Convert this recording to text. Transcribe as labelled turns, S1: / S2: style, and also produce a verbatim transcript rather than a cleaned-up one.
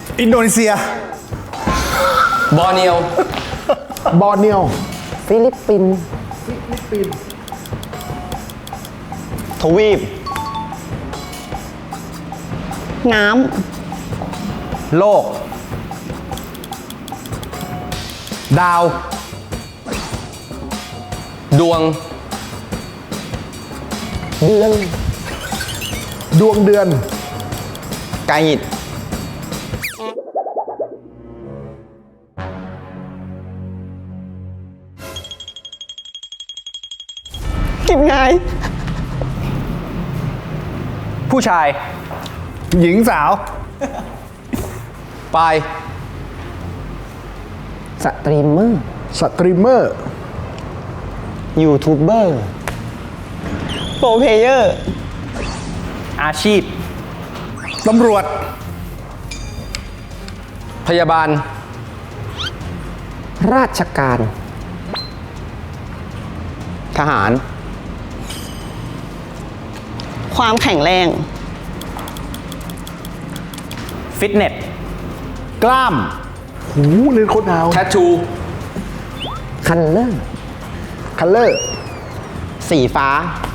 S1: อินโดนีเซีย
S2: บอร์เนียว
S3: บอร์เนียว
S4: ฟิลิปปินส์
S5: ทวีป
S4: น้
S2: โลก ดาว ดวง
S4: ำเดือน
S3: ดวงเดือน
S5: ไกหิต
S4: กินไง
S2: ผู้ชาย
S1: หญิงสาว
S2: ปลาย
S4: สตรีมเมอร์
S3: สตรีมเมอร์
S5: ยูทูบเบอร์
S4: โปรเพเยอร์
S2: อาชีพ
S1: ตำรวจ
S2: พยาบาล
S4: ราชการ
S5: ทหาร
S4: ความแข็งแรง
S2: ฟิตเนส
S1: กล้าม
S3: หูเล่นโคตรดาว
S2: แทททู
S4: คันเลอร์
S3: คัลเลอร์
S5: สีฟ้า